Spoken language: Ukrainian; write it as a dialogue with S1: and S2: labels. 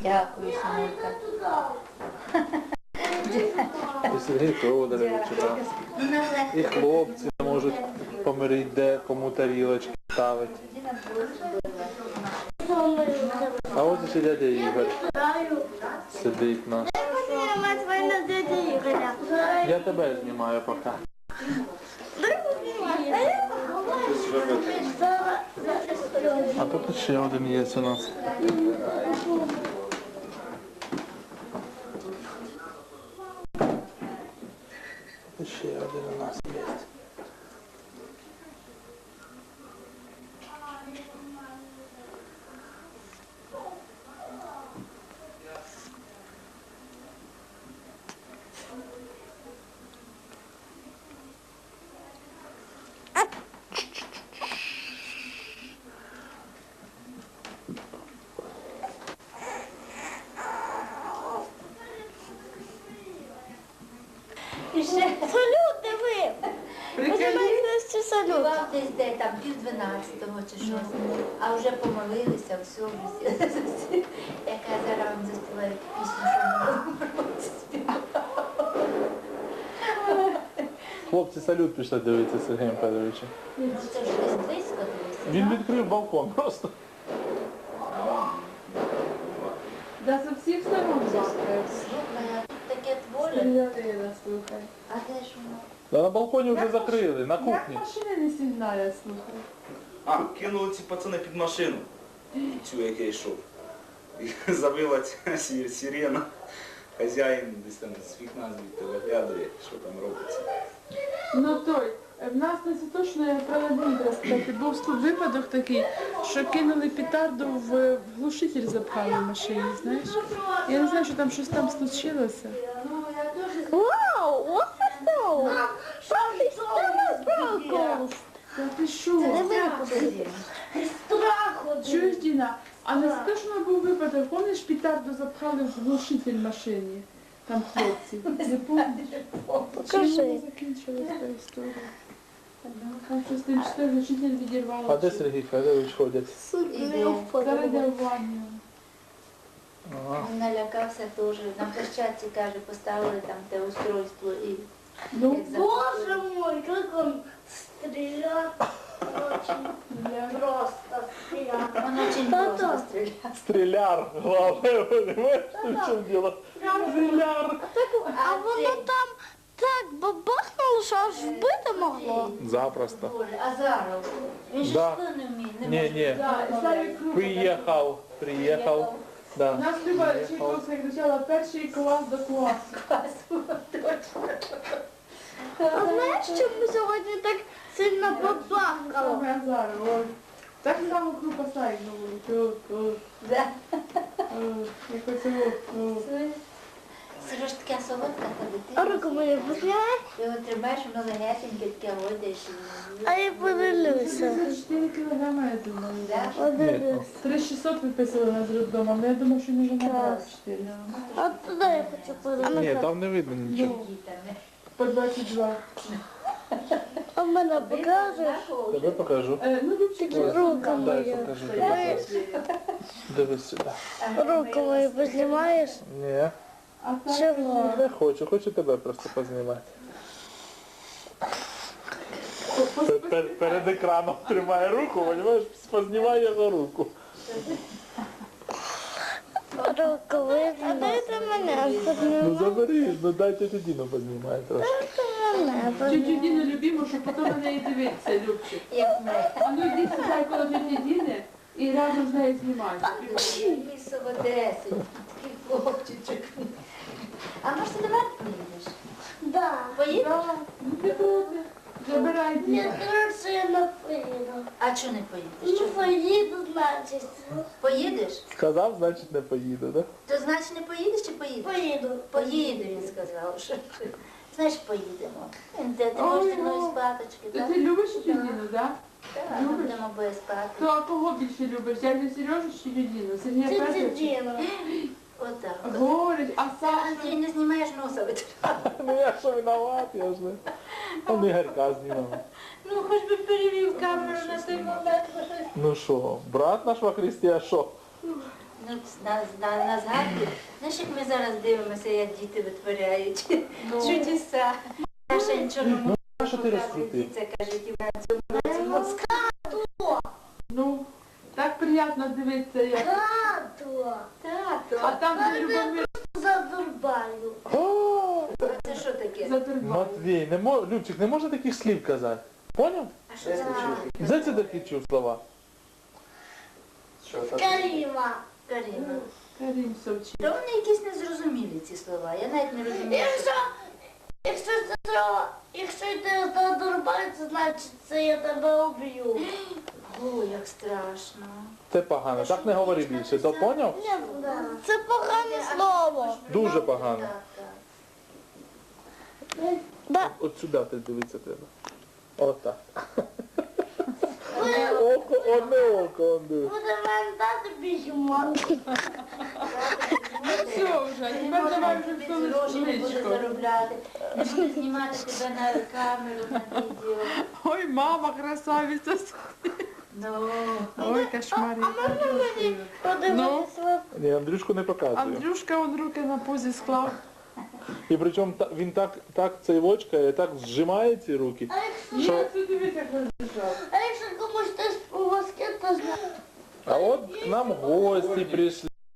S1: Дякую, Синулька.
S2: І Сергій Тодорович, і хлопці можуть помирити, де кому тарілочки ставити. А ось ще дядя Ігор сидить наш. Я тебе знімаю поки. А тут ще один є у нас. Ще один у нас є.
S3: Салют, диви! Починається салют.
S1: Співав десь де там 11:30 чи щось, а вже помолилися, все, вже. Яка зараз вам заспіває пісню, що ми співали.
S2: Хлопці салют пішли дивитися Сергієм Федоровичем.
S1: Ну це вже десь близько дивися.
S2: Він відкрив балкон просто.
S4: Да, со всіх сторон бахкає.
S1: Слухай, а тут таке творе.
S4: Стрілянина, слухай.
S1: А де ж воно?
S2: Та на балконі вже закрили, на
S4: Як
S2: кухні.
S4: машини не сигналять, слухай.
S5: А, кинули ці пацани під машину, цю, як я йшов. І завила ця сирена. Хазяїн десь там з вікна звідти виглядає, що там робиться.
S4: Ну той, в нас не точно я про один розказати. Був тут випадок такий, що кинули петарду в глушитель запхали в машині, знаєш? Я не знаю, що там щось там случилося.
S3: Вау, what the hell? Папі, страху!
S4: Та ти що? Чуєш, Діна? А не те, що був випадок, помниш, петарду запхали в глушитель машині? Там хлопці. Не помниш?
S3: Покажи.
S4: Чим закінчилася та історія? Там щось тим, що глушитель відірвало.
S2: А де Сергій Федорович ходять?
S4: Зараз йде в ванну.
S2: Ага.
S1: Він налякався теж. На площадці, каже, поставили там те устройство і
S4: Ну,
S1: як запустили.
S3: Боже мой, как он стрелял. Очень просто стрелял.
S1: Он очень просто стріляв.
S2: Стреляр, главное, понимаешь, в чем дело? Стреляр.
S3: А воно там так бабахнуло, що аж вбити могло.
S2: Запросто.
S1: Боже, Азаров. Він же
S2: Да.
S1: що не вміє? Не
S2: Не,
S1: може.
S2: не,
S4: Да, і Славік Круг.
S2: приехал, да.
S4: Нас Люба Чайковська кричала перший клас до класу.
S3: А знаєш, чому сьогодні так сильно бабахало?
S4: Саме зараз, ой. Так само крупа Славік говорить.
S1: Да.
S4: Якось його.
S1: Це ж така солодка та
S3: А
S1: дитина.
S3: руку мені пускай,
S1: Ти його тримаєш, воно легесеньке, таке годиш.
S3: а я подивлюся.
S4: 4 кілограми, я думаю.
S1: Да?
S3: Подивлюся.
S4: 3600 виписали нас з роддому, але я думаю, що може набрати 4.
S3: А туди я хочу подивитися.
S2: Нет, там не видно ничего.
S1: Дітами.
S4: По 22.
S3: А мене покажеш?
S2: Тебе покажу.
S4: Ну, Любчик,
S3: Рука
S2: Дай
S3: моя.
S2: покажу тебе. Дивись сюди.
S3: Руку мою познімаєш?
S2: Ні,
S4: а так,
S3: Чого?
S2: не хочу тебе просто познімати. Перед екраном тримає руку, розумієш, познімай його руку.
S3: Руку видно. А дайте мене
S2: Ну
S3: познімати.
S2: забери, ну дай тетю Діну познімай трошки.
S3: Мене
S4: тетю Діну любимо, щоб потім на неї дивитися, Любчик.
S1: Як ми.
S4: А ну йди сідай коло теті Діни і разом з нею знімай.
S1: Такий солодесенький, такий хлопчичок. А може ти до мене поїдеш?
S3: Да.
S1: Поїдеш?
S4: Ну ти буде. Забирай
S3: Мені
S4: Діну.
S3: кажется, я не поїду.
S1: А чого не поїдеш?
S3: Ну,
S1: Чого?
S3: поїду, значить.
S1: Поїдеш?
S2: Сказав, значить не поїду, да?
S1: То значить не поїдеш чи поїдеш?
S3: Поїду.
S1: Поїду, він сказав. Що ти. Знаєш, поїдемо. Ти
S4: Ой,
S1: можеш зі мною
S4: ну.
S1: спаточки,
S4: Ти
S1: так?
S4: любиш тетю Діну, так?
S1: Так, ми будемо обоє спати.
S4: То а кого більше любиш? Дядю Сережу чи тетю Діну? Сергія
S3: Тетя
S4: Петровича?
S3: Діна.
S1: Отак.
S4: Говорить, а
S1: Андрій,
S4: Саша?
S1: не знімаєш носа витирати.
S2: Ну я що виноват, я ж не. Он Ігорка знімав.
S1: Ну, хоч би перевів камеру на той момент.
S2: Ну що, брат наш во Христі, а що?
S1: Ну на згадку. Знаєш, як ми зараз дивимося, як діти витворяють чудеса. Наша нічого не може
S2: А що ти
S1: показувати.
S2: розкрутив?
S1: Це кажуть, і на цьому році мозка.
S4: Ну, так приємно дивитися, як.
S3: Тато,
S1: Тато,
S4: А там, де Любомир
S3: задурбаю.
S2: О,
S1: це що таке?
S4: затурбав.
S2: Матвій, Любчик, не можна таких слів казати. Поняв?
S1: А що це?
S2: Де це такі чув слова?
S3: Каріма.
S1: Каріна.
S4: Карім Совчик.
S1: Та вони якісь незрозумілі ці слова. Я навіть не розумію.
S3: Якщо ти задурбаєшся, значить це я тебе уб'ю.
S1: О, як страшно.
S2: Це погано, так не говори більше, то поняв?
S3: Це погане слово.
S2: Дуже погано.
S1: Так, так.
S3: Да.
S2: От сюди ти дивитися треба. Отак. Одне око, он диви.
S3: Буде мене дати бігемо.
S4: Все вже, а тепер давай вже
S1: Тобі гроші не буде
S4: столичку.
S1: заробляти, не буде знімати тебе на камеру, на відео.
S4: Ой, мама, красавиця.
S1: Ну,
S4: Ой, кошмар.
S3: Подивитися.
S2: Ні, Андрюшку не показую.
S4: Андрюшка, он руки на позі склав.
S2: І причому він так цей вочкає, так зжимає ці руки.
S4: Ні,
S2: Що?
S4: це дивись, як розбіжав.
S3: А якщо комусь хтось у вас то знає.
S2: А от к нам гості прийшли.